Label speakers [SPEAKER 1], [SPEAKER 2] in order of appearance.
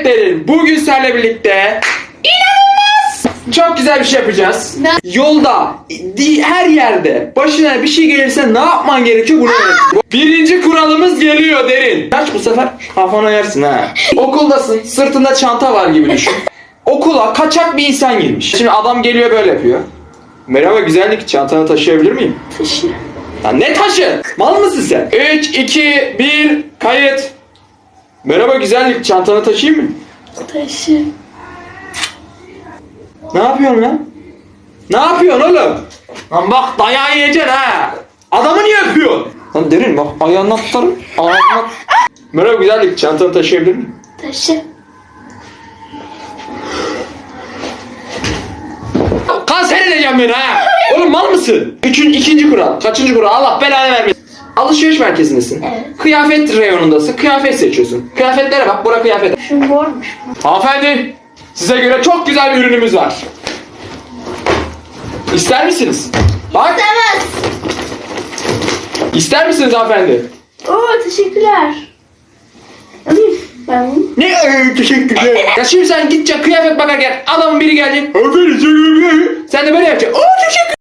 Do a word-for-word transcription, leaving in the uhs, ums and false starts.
[SPEAKER 1] Evet Derin, bugün seninle birlikte inanılmaz çok güzel bir şey yapacağız.
[SPEAKER 2] Ne?
[SPEAKER 1] Yolda, di- her yerde başına bir şey gelirse ne yapman gerekiyor bunu öğreteceğim. Birinci kuralımız geliyor Derin. Kaç bu sefer kafana yersin ha. Okuldasın, sırtında çanta var gibi düşün. Okula kaçak bir insan girmiş. Şimdi adam geliyor böyle yapıyor. Merhaba güzellik, çantanı taşıyabilir miyim?
[SPEAKER 2] Taşı.
[SPEAKER 1] Ya ne taşı? Mal mısın sen? üç, iki, bir, kayıt. Merhaba güzellik, çantanı taşıyayım mı?
[SPEAKER 2] Taşı.
[SPEAKER 1] Ne yapıyorsun lan? Ne yapıyorsun oğlum? Lan bak dayağı yiyeceksin ha. Adamı niye öpüyorsun? Lan Derin bak ayağını atlarım. Ağzına... Merhaba güzellik, çantanı taşıyabilir miyim?
[SPEAKER 2] Taşı.
[SPEAKER 1] Kanser edeceğim beni ha. Oğlum mal mısın? Üçüncü, ikinci kural. Kaçıncı kural? Allah belanı vermesin. Alışveriş merkezindesin.
[SPEAKER 2] Evet.
[SPEAKER 1] Kıyafet reyonundasın. Kıyafet seçiyorsun. Kıyafetlere bak. Bura kıyafet.
[SPEAKER 2] Şu mormuş.
[SPEAKER 1] Hanımefendi, size göre çok güzel bir ürünümüz var. İster misiniz? Bak,
[SPEAKER 2] İstemez.
[SPEAKER 1] ister misiniz hanımefendi?
[SPEAKER 2] Oo teşekkürler. Alayım ben bunu.
[SPEAKER 1] Ne ee, teşekkürler. Ya şimdi sen gideceksin kıyafet bakarken adamın biri gelecek. Hanımefendi, sen de böyle yapacaksın. Oo teşekkür.